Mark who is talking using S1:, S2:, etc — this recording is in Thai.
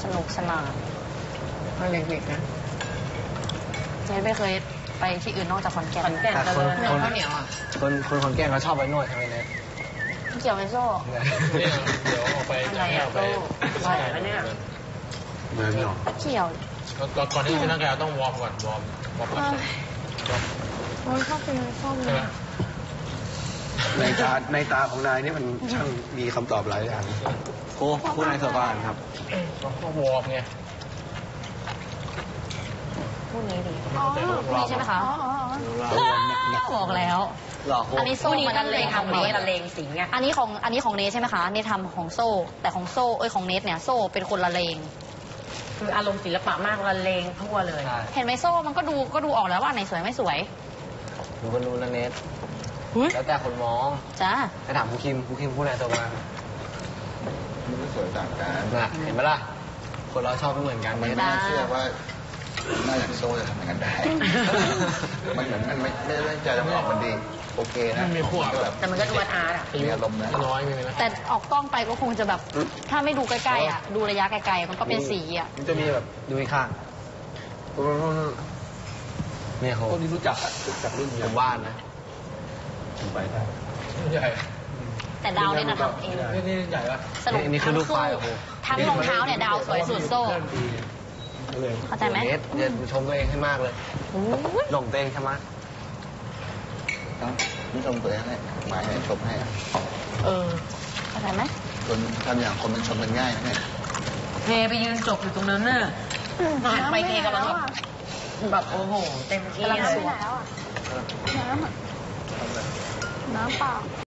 S1: นุกสนานมันเด็กๆนะเจ๊ไม่เคยไปที่อื่นนอกจากขอนแก่น
S2: แต่คน
S1: ข้าวเหนียวอ่ะ
S2: คนขอนแก่นเขาชอบไปนวดใช่ไหมเนี่ย
S1: เกี่ยวไมโซ่
S3: เนี่ยเดี๋ยวออกไป
S1: อะไรอ่ะ
S3: ไป
S1: โซ่อะไรวะเนี่ย
S2: เหมือนหรอ
S1: เกี่ยว
S3: ก่อนที่จะขึ้นร่างกายต้องวอร์มก่อนวอร์มก่อน
S1: โอ้ยชอบเป็นชอบเล
S3: ใช่ไหม
S1: ย
S2: ในตาของนายนี่มันช่างมีคำตอบหลายอย่างโอ้ผู้นายสบานครับ
S3: ก็วอร์มไง
S1: พูดนี้ดี
S3: อ๋อ
S1: พูดนี้ใช่ไหมคะบอกแล้ว
S2: หล่อโค
S1: อันนี้โซ่มันละเลงของเนท
S4: ละเลงสิงห์ไง
S1: อันนี้ของเนทใช่ไหมคะเนททำของโซ่ แต่ของโซ่ของเนทเนี่ยโซ่เป็นคนละเลง
S4: คืออารมณ์ศิลปะมากละเลงทั่วเลย
S2: ใช่
S1: เห็นไหมโซ่มันก็ดูออกแล้วว่าไหนสวยไม่สวย
S2: หนูก็รู้นะเนทแล้วแต่คนมอง
S1: จ้า
S2: ไปถามครูคิมผู้นายสบาน
S5: มันก็สวยต่างกัน
S2: นะเห็นไหมล่ะ คนเราชอบไม่เหมือนกัน
S5: มัน
S2: เน
S5: ไม่
S2: ท
S5: น่าเชื่อว่าหน้าอย่างโซ่จะทำอย่างนั้นได้ มันเหมือนมันไม่ได้ใจจะออกมันดี โอเคนะ
S3: มันมีพวก
S5: ก็แบบ
S4: แต่มันก็ดูอาร์ตอ่ะ
S5: มีอารมณ์นะ
S3: น้อยมีไหม
S1: แต่ออกกล้องไปก็คงจะแบบ ถ้าไม่ดูใกล้ๆอ่ะ ดูระยะไกลๆมันก็เป็นสีอ่ะ
S2: มันจะมีแบบดูอีกข้างเนี่ยเขาคนที่รู้จักรุ่นผมว่านนะไปได้
S3: ใหญ่
S1: แต่ดาวเนี่ยนะทำเอง
S3: นี่ใหญ่ปะ
S1: สรุป
S2: นี่คือลูกไฟ
S1: ทั้งรองเท้าเนี่ยดาวสวยสุดโซ่ เข้าใจไหม
S2: เนทอย่าชมตัวเองให้มากเลย
S1: อู้ย
S2: หลงตัวเองใช่ไหม
S5: ต้องไม่ชมตัวเองให้หมายให้ชมให้อะ
S1: เข้าใจไหม
S5: คนทำอย่างคนมันชมมันง่ายนะเนี่ย
S4: เทไปยืนจบอยู่ตรงนั้นน่ะหันไปเทกำลังแบบโอ้โห เต็มที่เลย
S1: น้ำเปล่า